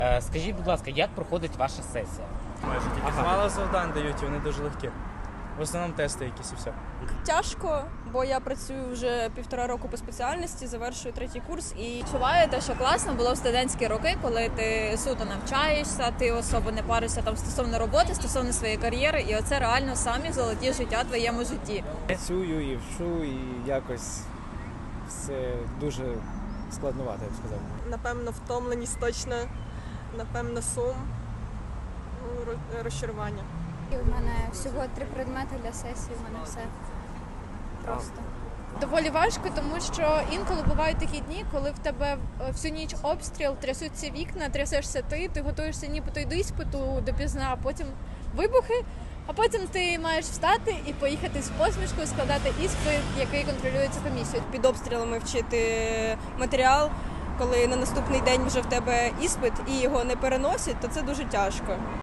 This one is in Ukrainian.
Скажіть, будь ласка, як проходить ваша сесія? Майже тільки мало завдань дають, і вони дуже легкі. В основному тести якісь і все. Тяжко, бо я працюю вже 1,5 року по спеціальності, завершую 3-й курс і Відчуваю те, що класно було в студентські роки, коли ти суто навчаєшся, ти особо не паришся там стосовно роботи, стосовно своєї кар'єри, і оце реально самі золоті життя в твоєму житті. Працюю і вчу, і якось все дуже складновато, я б сказав. напевно втомленість точно, напевно сум, розчарування. У мене всього 3 предмети для сесії, у мене все просто. Доволі важко, тому що інколи бувають такі дні, коли в тебе всю ніч обстріл, трясуться вікна, трясешся ти готуєшся нібито й до іспиту допізна, а потім вибухи, а потім ти маєш встати і поїхати з посмішкою складати іспит, який контролюється комісією. Під обстрілами вчити матеріал, коли на наступний день вже в тебе іспит і його не переносять, то це дуже тяжко.